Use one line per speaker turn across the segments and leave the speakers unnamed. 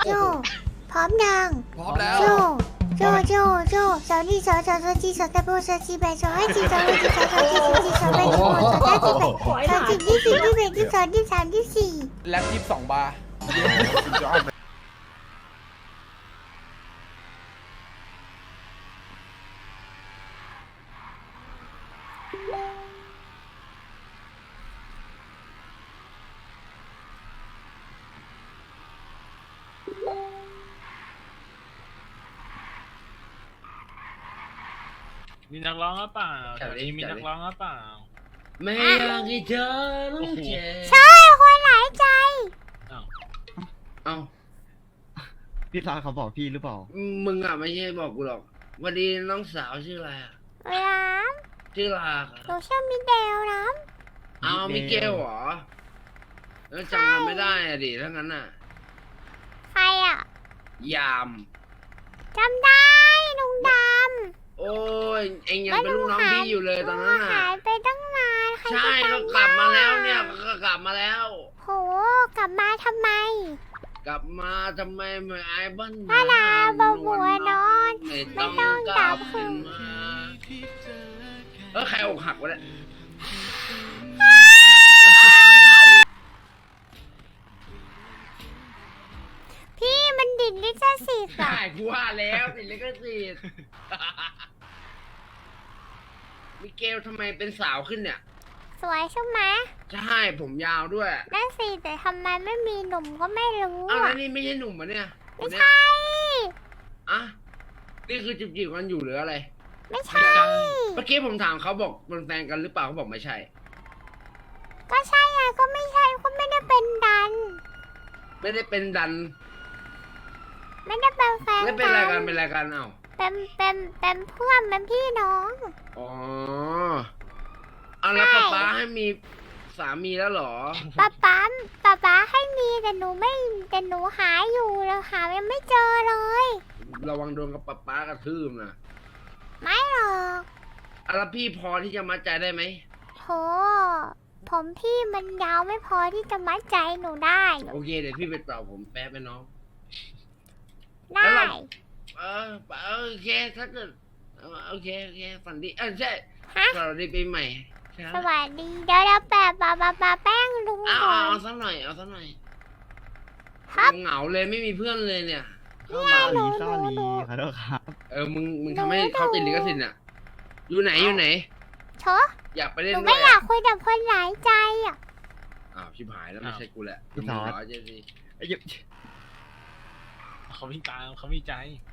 โจพร้อมยัง
พร้อมแล้ว
โจสาวนี่สาวจีสาวตะโบสาวจีแบสาวไอจีสาวไอจีสาวจีสาวจีสาวแบสาวสาวจีแบสาวจีที่สี่ที่แบที่สองที่สามที่สี่
แล็บ22 บาร์
มีนักร้องหรือเปล่าแถวนี้มีนักร้องหรือเปล่า
ไม่อยากให้เธอต้องเจ็บ
ใช่คนหลายใจ
อ้าว
เอ้า
พี่ลาเขาบอกพี่หรือเปล่า
มึงอ่ะไม่ใช่บอกกูหรอกวันดีน้องสาวชื่ออะไรอ่ะ
น้
ชื่อลา
ำหนูชื่อมิเดลน้
อ้าวมิเกลเหรอแล้วจำกันไม่ได้อ่ะดิถ้างั้นอ่ะ
ำใครอ่ะ
ยาม
จำได้ลุงดำ
โอ้ยเอ็งยังเป็นลูกน้องพี่อยู่เลยตอนนั้น
หา
อ่ะ
ยไปตั้งนานใคร
ใช่
จะ
ก็
จำ
กลับมาแล้ว
ได้
เนี่ยก็กลับมาแล้ว
โหกลับมาทำไม
กลับมาทำไมไม่ไอ้บ้าน
ถ้าดาบัวนอน
ไม่ต้องกลับ
คืน
มาใครอกหักวะเนี่ย
พี่มันดิดลิขสิทธิ์
ใช่
อ่ะ
กูว่าแล้วติดลิขสิทธิ์ มิเกลทำไมเป็นสาวขึ้นเนี่ย
สวยใช่ไหม
ใช่ผมยาวด้วย
นั่นสิแต่ทำไมไม่มีหนุ่มก็ไม่รู้
อ้าว
อ่ะ
แล้วนี่ไม่ใช่หนุ่มปะเนี่ย
ไม่ใช่
อ่ะนี่คือจีบกันอยู่หรืออะไร
ไม่ใช่
เมื่อกี้ผมถามเขาบอกเป็นแฟนกันหรือเปล่าเขาบอกไม่ใช่
ก็ใช่ไงก็ไม่ใช่ก็ไม่ได้เป็นดัน
ไม่ได้เป็นดัน
ไม่ได้เป็นแฟน
ไม่เป็นอะไรกันเป็นอะไรกันเอ้า
เป็นเพื่อนเป็นพี่น้อง
อ๋อเอาแล้ว
ใช่
ป๊าให้มีสามีแล้วเหรอ
ป๊าให้มีแต่หนูไม่แต่หนูหาอยู่แล้วหายังไม่เจอเลย
ระวังโดนกับป๊ากระทืบนะ
ไม่หรอก
อ่ะแล้วพี่พอที่จะมัดใจได้ไหม
โหผมพี่มันยาวไม่พอที่จะมัดใจหนูได้
โอเคเดี๋ยวพี่ไปตอบผมแป๊บไปน้อง
ได้
โอเคถ้าเกิดโอเคฝันดีใช่
ฮะ
สวัสดีปีใหม่ใช่
สวัสดีเดี๋ยวแปะปาแป้งลุง
เอา
ก่อน
สักหน่อยเอาสักหน่อย
ครับ
เหงาเลยไม่มีเพื่อนเลยเนี่ยเข้า
เนี่
มาย
ซอรี่ขอโทษครับ
มึงทำให้เขาติดลิขสิทธิ์น่ะอยู่ไหน
เชอะ
อยากไป
ห
เล่น
นู
ด้
ไม่
วย
อยากคุยกับคนหลายใจอ่ะ
อ้าวชิบหายแล้วไม่ใช่กูแหละ
พี่ซอส
เจสิ
ไอ้เหี้ย
เขามีตาเขามีใจ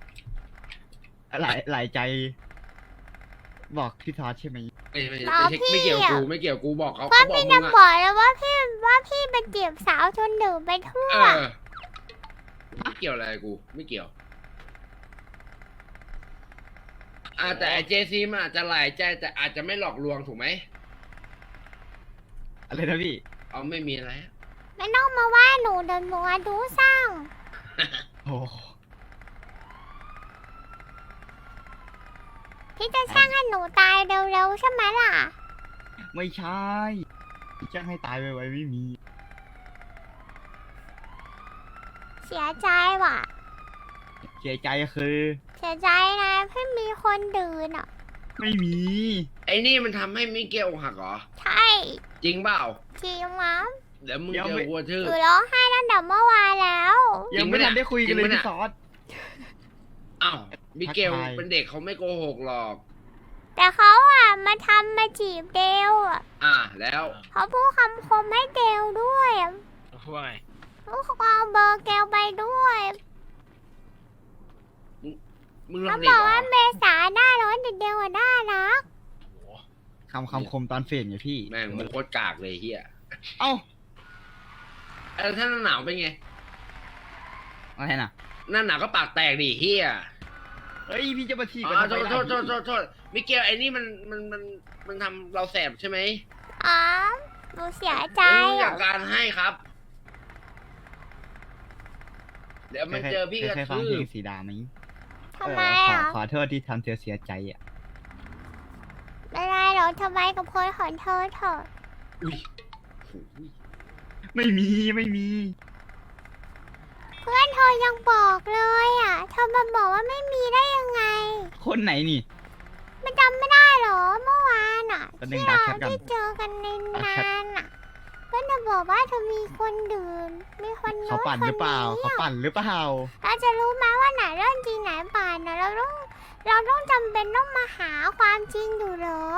หลายใจ บอกพี่ทอดใช่ไหม
ไม่เกี่ยวกูบอกเขา
ว่า
เขาบอก
พี่
มึ
จะ
ง
บ
อ่ะ
อกแล้วว่าพี่เป็นจีบสาวจนหนึ่งไปทั่ว
ไม่เกี่ยวอะไรกูไม่เกี่ยวแต่ไอเจซีมันอาจจะหลายใจแต่อาจจะไม่หลอกลวงถูกไหม
อะไรนะพี่
เอาไม่มีอะไร
ไม่ต้องมาว่าหนูเดินหนูอะดูสร้าง
โอ้
พี่จะสร้างให้หนูตายเร็วๆใช่ไหมล่ะ
ไม่ใช่จะให้ตายไวๆไม่มี
เสียใจว่ะ
เสียใจคือ
เสียใจนะพี่มีคนดื่นอ่ะ
ไม่มี
ไอ้นี่มันทำให้มิเกลอกหักเหรอ
ใช่
จริงเปล่า
จริงมั้ง
เดี๋ยวมึงเจอกูชื่อ
หนูร้องไห้ตั้งแต่เมื่อวานแล้ว
ยังไม่ทันได้คุยกันเลย
จริงปะเนี่ย
พี่ซอส
อ้าวมิเกล
ทักทาย
เป็นเด็กเขาไม่โกหกหรอก
แต่เขาอ่ะมาทำมาจีบเดวอ่ะ
แล้ว
เขาพูดคำคมให้เดวด้วยอะ
พูดว่าไง
เขาเอาเบอร์เกลไปด้วย
มึงลอ
เขา
ง
บ
เด็ก
อก
เหรอ
ว่าเมษาหน้าร้อนแต่เดวอ่ะน่ารัก
โอ้โห
คำคมตอนเฟดไงพี่
แม่งมึงโคตรกากเลยเฮีย
เอ้า
ถ้าหน้าหนาวเป็นไง
อะไรน่ะ
หน้าหนาวก็ปากแตกดิเฮีย
เฮ้ยพี่จะมาทีบ
อ๋
กัน
อ
ทำไมล่ะ
โทษมิเกลไอ้นี่มันทำเราแสบใช่ไหม
อ๋อหนูเสียใจ
ไม่อยา
อ่ะ
กการให้ครับ เดี๋ยวมันเจอพี่กระ
เคยฟัง
ทื
เพล
บ
งสีดาไหม
ทำไม
ขอ
อ่ะ
โทษที่ทำเธอเสียใจอ่ะ
ไม่ได้หรอกทำไมกับคนของเธอเถอะ
อุ้ย
ไม่มี
เพื่อนเธธอยังบอกเลยอ่ะเธอมาบอกว่าไม่มีได้ยังไง
คนไหนนี่
มันจำไม่ได้เหรอเมื่อวานอ่ะ
แป๊บนึง
ที่
ดั
เรา
กแชทก่อน
ที่เจอกันใน
ดัก
งา
แชท
นอ่ะก็จะบอกว่าเธอมีคนดื่มมีคน
เขา
โน้น
ปั่น
ค
ห
น
รือเปล่า
นี้
เขา
อะ
ปั่นหรือเปล่า
เราจะรู้ไหมว่าไหนเรื่องจริงไหนปั่นนะเราต้องจำเป็นต้องมาหาความจริงอยู่เหรอ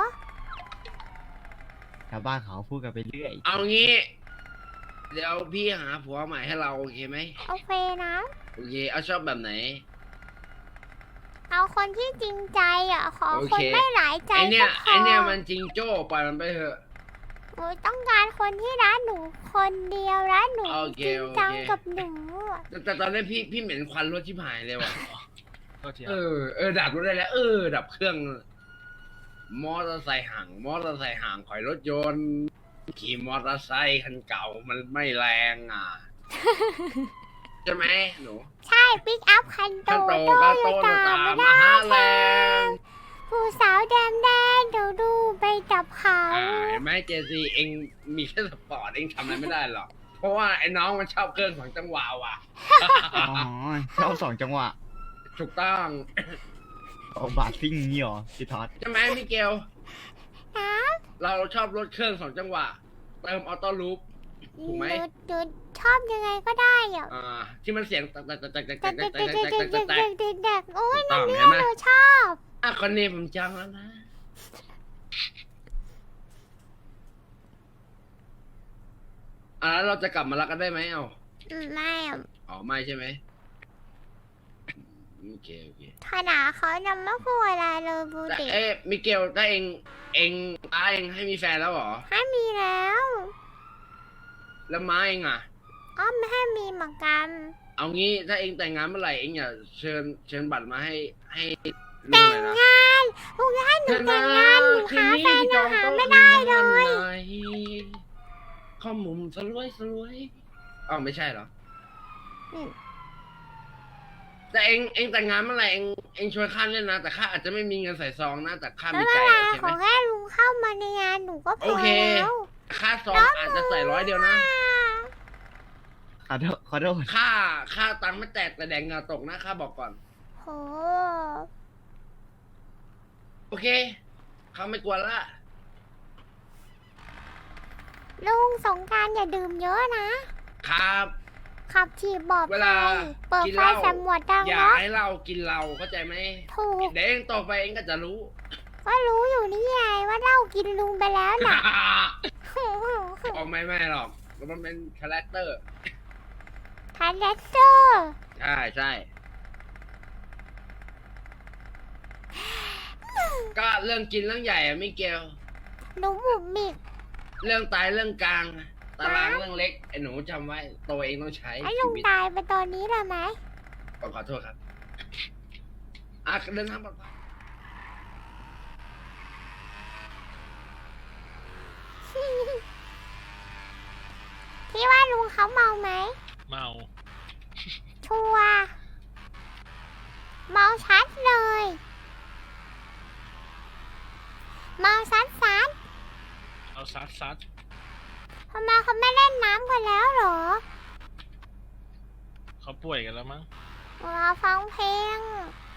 ชาวบ้านเขาพูดกันไปเรื่อย
เอางี้ เดี๋ยวพี่หาผัวใหม่ให้เราโอเคไหม
โอเคนะ
โอเคเอาชอบแบบไหน
เอาคนที่จริงใจอ่ะขอ
โอ
คน
เค
ไม่หลายใจ
ไอเนี้ย
ก็พ
ไอเนี้ยมันจริงโจ้ปล่อยมันไปเถอะ
หนูต้องการคนที่รักหนูคนเดียวรักหนู
โอเค
จริงจัง
โอเค
กับหนูอะ
แต่ตอนนี้พี่เหม็นควันรถชิบหายเลยว่ะ
ก็เทีย
ดับรถได้แล้ว ดับเครื่อง มอเตอร์ไซค์ห่าง มอเตอร์ไซค์ห่างถอยรถยนต์ ขี่มอเตอร์ไซค์คันเก่ามันไม่แรงอ่ะ ใช่ไหมหนู
ใช่ปิกอัพคันโต
คันโต
โต
ก็
โย
โต
ตา
ตา
ไม่
มา
ได้
หาแร
แข่
ง
งผู้สาวแดงเดี๋ยวดูไปจับเขา
เห็นไหมเจซีเองมีแค่สปอร์ตเองทำอะไรไม่ได้หรอก เพราะว่าไอ้น้องมันชอบเครื่องของจังหวะว่ะ
อ๋อชอบ2 จังหวะ
ถูกต้อง
เอาบาทซิ่งนี่หรอพี่ท็อด
ใช่ไหมมิเกล
นะ
เราชอบรถเครื่อง2 จังหวะ เติมออโต้ลูป ถูกไหม
หนูชอบยังไงก็ได้อ่ะ
ที่มันเสียงแตก
เด็กโอ้ย
ต้
นั่
อน ง
เนี่
เห็
ย
นไหม
หนูชอบ
คนนี้ผมจองแล้วนะแล้วเราจะกลับมารักกันได้ไหม
ไม่อะ
ไม่ใช่ไหมโอเค
ขนาดเขายังไม่พูดอะไรเลยบู
แต่
ติ
มิเกลถ้าเองม้าเองให้มีแฟนแล้วเหรอ
ให้มีแล้ว
แล้วม้าเองอ่ะ
อ้อมไม่ให้มีเหมือนกัน
เอางี้ถ้าเองแต่งงานเมื่อไหร่เองอย่าเชิญบัตรมาให้ลุง
แต่
ห
ง
น่อยนะ
งานลุงจะให้หนูแต่งงานหนูหาแฟนยังหาไม่ได้เลย
ข้อมุมสลวยไม่ใช่เหรอ
อืม
แต่เองแต่งงานเมื่อไหร่เองชวนข้าเล่นนะแต่ข้าอาจจะไม่มีเงินใส่ซองนะแต่ข้า
ไม่
มี
เป็
ใจ
นไร
โอเค
ข
ไหม
อแค่ลุงเข้ามาในงานหนูก็พ
โอ
อ
เค
แล้ว
ค่าซองอาจจะใส่100 เดียวนะ
ขอโทษ
ค่าตังค์ไม่แตกแต่แดงเหงาตกนะข้าบอกก่อน
โห
โอเคข้าไม่กลัวละ
ลุงสงกรารอย่าดื่มเยอะนะ
ครับ
ขับขี่ปลอด
เว
ภั
ลาย
เปิด
กิน
ไฟ
เหล้า
สำรวจดัง
อย่า
เนาะ
ให้เรากินเราเข้าใจไหม
ถูก
เดี๋ยวเองต่อไปเองก็จะรู้
ก็รู้อยู่นี่ไงว่าเหล้ากินลุงไปแล้วน่ะ
ไม่หรอกมันเป็นคาแรคเตอร์
คาแรคเตอร์
ใช่ก็เรื่องกินเรื่องใหญ่อะมิเกล
หนูบุบบิก
เรื่องตายเรื่องกลางตารางเรื่องเล็กไอ้หนูจำไว้ตัวเองต้องใช้
ไอ้
ชี
ลุง
วิต
ตายไปตอนนี้เลยไหม
ขอโทษครับเดินทางปลอดภัย
พี่ว่าลุงเขาเมาไหม
เมา
ชัวร์เมาชัดเลย เมาซัด
เอาซัด
ทำไมเขาไม่เล่นน้ำกันแล้วเหรอ
เขาป่วยกันแล้วมั้ง
เราฟังเพลง